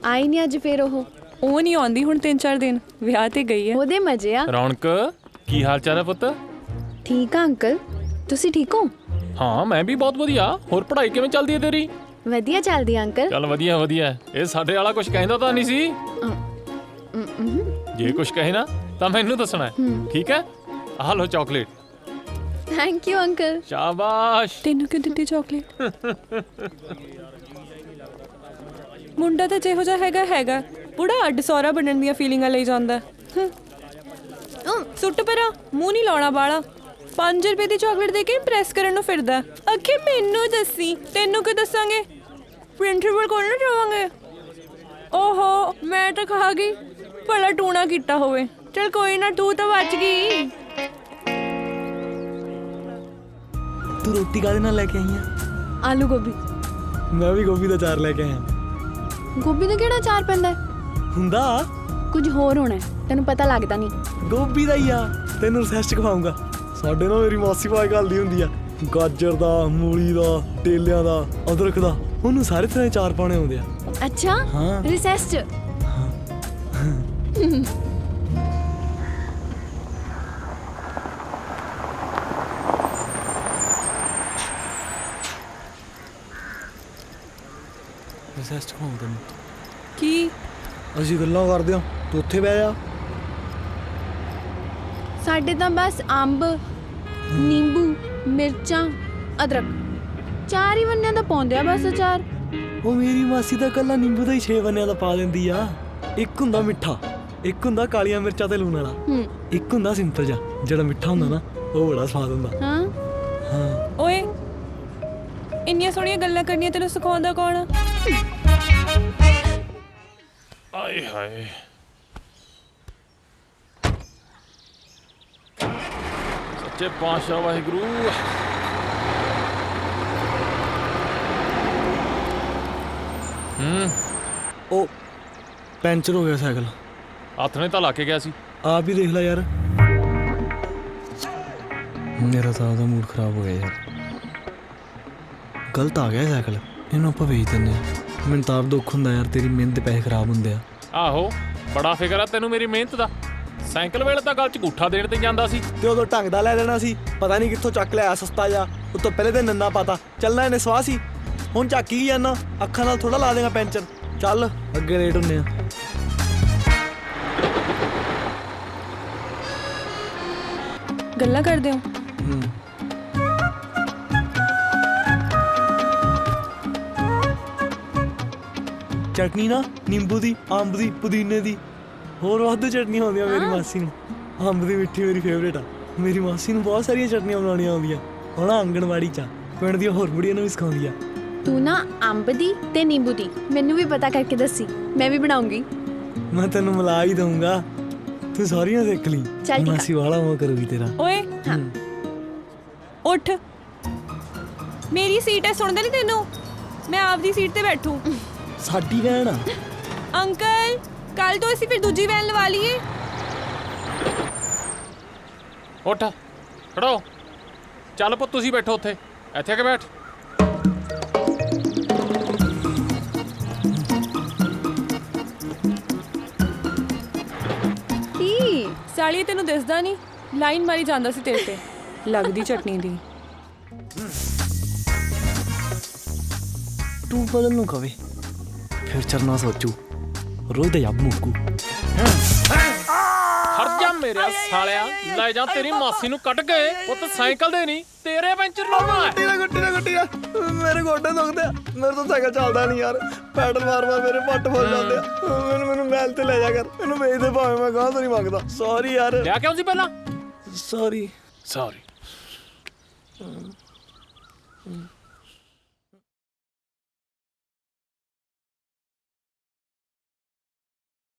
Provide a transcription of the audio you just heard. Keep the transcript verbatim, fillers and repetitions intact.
ਆਈ ਨਹੀਂ ਅੱਜ ਫੇਰ ਉਹ ਉਹ ਨਹੀਂ ਆਉਂਦੀ ਹੁਣ ਤਿੰਨ ਚਾਰ ਦਿਨ ਵਿਆਹ ਤੇ ਗਈ ਹੈ। ਉਹਦੇ ਮਜ਼ੇ ਆ। ਰੌਣਕ ਕੀ ਹਾਲ ਚਾਲ ਹੈ ਪੁੱਤ? ਠੀਕ ਆ ਅੰਕਲ, ਤੁਸੀਂ ਠੀਕ ਹੋ? ਹਾਂ ਮੈਂ ਵੀ ਬਹੁਤ ਵਧੀਆ। ਹੋਰ ਪੜ੍ਹਾਈ ਕਿਵੇਂ ਚੱਲਦੀ ਹੈ ਤੇਰੀ? ਵਧੀਆ ਚੱਲਦੀ ਆ ਅੰਕਲ। ਚੱਲ ਵਧੀਆ ਵਧੀਆ। ਇਹ ਸਾਡੇ ਵਾਲਾ ਕੁਝ ਕਹਿੰਦਾ ਤਾਂ ਨਹੀਂ ਸੀ। ਅਮ, ਅਮ, ਜੇ ਕੁਝ ਕਹੇ ਨਾ ਤਾਂ ਮੈਨੂੰ ਦੱਸਣਾ ਹੈ, ਠੀਕ ਹੈ? ਆਹ ਲੋ ਚਾਕਲੇਟ। Thank you uncle. ਸ਼ਾਬਾਸ਼। ਤੈਨੂੰ ਕਿਉਂ ਦਿੱਤੀ ਚਾਕਲੇਟ? ਮੁੰਡਾ ਤਾਂ ਜਿਹੋ ਜਿਹਾ ਹੈਗਾ ਹੈਗਾ ਬੁੜਾ ਅੱਡ ਸੌਰਾ ਬਣਨ ਦੀਆਂ ਫੀਲਿੰਗਾਂ ਲਈ ਜਾਂਦਾ। ਹਮ, ਸੁੱਟ ਪਰਾਂ, ਮੂੰਹ ਨਹੀਂ ਲਾਉਣਾ ਬਾਲਾ। ਪੰਜ ਰੁਪਏ ਦੀ ਚਾਕਲੇਟ ਦੇ ਕੇ ਇੰਪ੍ਰੈਸ ਕਰਨ ਨੂੰ ਫਿਰਦਾ। ਅੱਖੇ ਮੈਨੂੰ ਦੱਸੀ, ਤੈਨੂੰ ਕੀ ਦੱਸਾਂਗੇ? ਪ੍ਰਿੰਸੀਪਲ ਕੋਲ ਨਾ ਜਾਵਾਂਗੇ। ਓਹੋ ਮੈਂ ਤਾਂ ਖਾ ਗਈ, ਭਲਾ ਟੂਣਾ ਕੀਤਾ ਹੋਵੇ। ਚਲ ਕੋਈ ਨਾ, ਤੂੰ ਤਾਂ ਬਚ ਗਈ। ਤੂੰ ਰੋਟੀ ਕਾਹਦੇ ਨਾਲ ਲੈ ਕੇ ਆਈ ਆ? ਆਲੂ ਗੋਭੀ। ਮੈਂ ਵੀ ਗੋਭੀ ਦਾ ਚਾਰ ਲੈ ਕੇ ਆਇਆ। ਗੋਭੀ ਦਾ ਕਿਹੜਾ ਅਚਾਰ ਪੈਂਦਾ ਹੈ? ਹੁੰਦਾ ਕੁਝ ਹੋਰ ਹੋਣਾ ਹੈ, ਤੈਨੂੰ ਪਤਾ ਲੱਗਦਾ ਨਹੀਂ। ਗੋਭੀ ਦਾ ਹੀ ਆ। ਤੈਨੂੰ ਰਿਸੈਸਟ ਖਵਾਉਂਗਾ। ਸਾਡੇ ਨਾਲ ਮੇਰੀ ਮਾਸੀ ਭਾਈ ਘੱਲਦੀ ਹੁੰਦੀ ਆ। ਗਾਜਰ ਦਾ, ਮੂਲੀ ਦਾ, ਟੇਲਿਆਂ ਦਾ, ਅਦਰਕ ਦਾ, ਉਹਨੂੰ ਸਾਰੇ ਤਰ੍ਹਾਂ ਦੇ ਚਾਰ ਪਾਉਣੇ ਆਉਂਦੇ ਆ। ਅੱਛਾ ਹਾਂ। ਰਿਸੈਸ ਚ ਰਿਸੈਸਟ ਖਵਾਉਂ ਤੈਨੂੰ। ਕੀ ਅਸੀਂ ਗੱਲਾਂ ਕਰਦੇ ਆ, ਤੂੰ ਉੱਥੇ ਬਹਿ ਜਾ। ਸਾਡੇ ਤਾਂ ਬਸ ਅੰਬ, ਨਿੰਬੂ, ਮਿਰਚਾਂ, ਅਦਰਕ ਚਾਰ ਹੀ ਵੰਨਿਆਂ ਦਾ ਪਾਉਂਦੇ ਆ ਬਸ ਅਚਾਰ। ਉਹ ਮੇਰੀ ਮਾਸੀ ਤਾਂ ਕੱਲਾ ਨਿੰਬੂ ਦਾ ਹੀ ਛੇ ਬੰਨਿਆਂ ਦਾ ਪਾ ਦਿੰਦੀ ਆ। ਇੱਕ ਹੁੰਦਾ ਮਿੱਠਾ, ਇੱਕ ਹੁੰਦਾ ਕਾਲੀਆਂ ਮਿਰਚਾਂ ਤੇ ਲੂਣ ਵਾਲਾ, ਹੂੰ ਇੱਕ ਹੁੰਦਾ ਸਿੰਪਲ ਜਿਹਾ ਜਿਹੜਾ ਮਿੱਠਾ ਹੁੰਦਾ ਨਾ, ਉਹ ਬੜਾ ਸਵਾਦ ਹੁੰਦਾ। ਹਾਂ। ਹਾਂ ਓਏ ਇੰਨੀਆਂ ਸੋਹਣੀਆਂ ਗੱਲਾਂ ਕਰਨੀਆਂ ਤੈਨੂੰ ਸਿਖਾਉਂਦਾ ਕੌਣ ਆ? ਆਏ ਹਾਏ। ਸੱਚੇ ਪਾਤਸ਼ਾਹ ਵਾਹਿਗੁਰੂ। ਹੂੰ ਉਹ ਪੈਂਚਰ ਹੋ ਗਿਆ ਸਾਈਕਲ। ਹੱਥ ਨੇ ਤਾਂ ਲਾ ਕੇ ਗਿਆ ਸੀ। ਆਪ ਹੀ ਦੇਖ ਲੈ ਯਾਰ। ਮੇਰਾ ਤਾਂ ਉਹਦਾ ਮੂਡ ਖਰਾਬ ਹੋ ਗਿਆ ਯਾਰ। ਗਲਤ ਆ ਗਿਆ ਸਾਈਕਲ, ਇਹਨੂੰ ਆਪਾਂ ਵੇਚ ਦਿੰਦੇ ਆ। ਮੈਨੂੰ ਤਾਂ ਆਪ ਦੁੱਖ ਹੁੰਦਾ ਯਾਰ, ਤੇਰੀ ਮਿਹਨਤ ਦੇ ਪੈਸੇ ਖਰਾਬ ਹੁੰਦੇ ਆ। ਆਹੋ ਬੜਾ ਫਿਕਰ ਆ ਤੈਨੂੰ ਮੇਰੀ ਮਿਹਨਤ ਦਾ। ਸਾਈਕਲ ਵੇਲੇ ਤਾਂ ਗੱਲ 'ਚ ਗੂਠਾ ਦੇਣ ਤੇ ਜਾਂਦਾ ਸੀ। ਤੇ ਉਦੋਂ ਢੰਗ ਦਾ ਲੈ ਲੈਣਾ ਸੀ, ਪਤਾ ਨਹੀਂ ਕਿੱਥੋਂ ਚੱਕ ਲਿਆ ਸਸਤਾ ਜਾ। ਉਤੋਂ ਪਹਿਲੇ ਤੇ ਨੰਨਾ ਪਾਤਾ, ਚੱਲਣਾ ਇਹਨੇ ਸਵਾਹ ਸੀ। ਹੁਣ ਚੱਕੀ ਹੀ ਜਾਨਾ, ਅੱਖਾਂ ਨਾਲ ਥੋੜਾ ਲਾ ਦੇਗਾ ਪੈਂਚਰ। ਚੱਲ ਅੱਗੇ ਲੇਟ ਹੁੰਨੇ ਆ। ਗੱਲਾਂ ਕਰਦੇ ਹੋ? ਹੂੰ ਚਟਨੀ ਨਾ ਨਿੰਬੂ ਦੀ, ਅੰਬ ਦੀ, ਪੁਦੀਨੇ ਦੀ, ਹੋਰ ਵਾਧੂ ਚਟਨੀਆਂ ਆਉਂਦੀਆਂ ਮੇਰੀ ਮਾਸੀ ਨੂੰ। ਅੰਬ ਦੀ ਮਿੱਠੀ ਮੇਰੀ ਫੇਵਰੇਟ ਆ। ਮੇਰੀ ਮਾਸੀ ਨੂੰ ਬਹੁਤ ਸਾਰੀਆਂ ਚਟਨੀਆਂ ਬਣਾਉਣੀਆਂ ਆਉਂਦੀਆਂ। ਹੁਣ ਆਂਗਣਵਾੜੀ 'ਚ ਪਿੰਡ ਦੀਆਂ ਹੋਰ ਬੁੜੀਆਂ ਨੂੰ ਵੀ ਸਿਖਾਉਂਦੀ ਆ। ਤੂੰ ਨਾ ਅੰਬ ਦੀ ਤੇ ਨਿੰਬੂ ਦੀ ਮੈਨੂੰ ਵੀ ਪਤਾ ਕਰਕੇ ਦੱਸੀ, ਮੈਂ ਵੀ ਬਣਾਉਂਗੀ। ਮੈਂ ਤੈਨੂੰ ਮਿਲਾ ਹੀ ਦਊਂਗਾ, ਤੂੰ ਸਾਰੀਆਂ ਸਿੱਖ ਲਈ। ਚੱਲ ਠੀਕ ਆ। ਮਾਸੀ ਵਾਲਾ ਉਹ ਕਰੂਗੀ ਤੇਰਾ। ਓਏ ਹਾਂ। ਉੱਠ, ਮੇਰੀ ਸੀਟ ਹੈ, ਸੁਣਦਾ ਨਹੀਂ ਤੈਨੂੰ? ਮੈਂ ਆਪਦੀ ਸੀਟ ਤੇ ਬੈਠੂ। ਸਾਡੀ ਵੈਨ ਆ। ਅੰਕਲ ਕੱਲ ਤੋਂ ਅਸੀਂ ਫਿਰ ਦੂਜੀ ਵੈਨ ਲਵਾ ਲਈਏ। ਉੱਠ ਖੜੋ। ਚੱਲ ਪੁੱਤ ਤੁਸੀਂ ਬੈਠੋ ਉੱਥੇ, ਇੱਥੇ ਆ ਕੇ ਬੈਠ। ਕੀ ਸਾਲੀ ਤੈਨੂੰ ਦਿਸਦਾ ਨਹੀਂ? ਲਾਈਨ ਮਾਰੀ ਜਾਂਦਾ ਸੀ ਤੇਰੇ ਤੇ, ਲੱਗਦੀ ਚਟਨੀ ਦੀ। ਤੂੰ ਬਦਲ ਨੂੰ ਕਵੇ ਫਿਰ ਚਰਨਾ ਸੋਚੂ, ਰੋਜ਼ ਦਾ ਯਾਬ ਮੁੱਕੂ। ਹਟ ਜਾ ਮੇਰੇ ਸਾਲਿਆ, ਲੈ ਜਾ ਤੇਰੀ ਮਾਸੀ ਨੂੰ ਕੱਢ ਕੇ। ਪੁੱਤ ਸਾਈਕਲ ਦੇ ਨਹੀਂ ਤੇਰੇ ਪੈਂਚਰ ਲਾਉਣਾ ਹੈ। ਗੁੱਟੀ ਨਾ ਗੁੱਟੀ ਨਾ ਗੁੱਟੀ ਨਾ, ਮੇਰੇ ਗੋਡੇ ਦੁਖਦੇ ਆ। ਮੇਰੇ ਤੋਂ ਸਾਈਕਲ ਚੱਲਦਾ ਨਹੀਂ ਯਾਰ। ਪੈਡਲ ਮਾਰ ਮਾਰ ਮੇਰੇ ਪੱਟ ਫੁੱਲ ਜਾਂਦੇ ਆ। ਮੈਨੂੰ ਮੈਨੂੰ ਮਹਿਲ ਤੇ ਲੈ ਜਾ ਕਰ, ਮੈਨੂੰ ਵੇਚ ਦੇ ਭਾਵੇਂ, ਮੈਂ ਗਾਹ ਤੋਂ ਨਹੀਂ ਮੰਗਦਾ। ਸੌਰੀ ਯਾਰ। ਲਿਆ ਕਿਉਂ ਸੀ ਪਹਿਲਾਂ? Sorry sorry.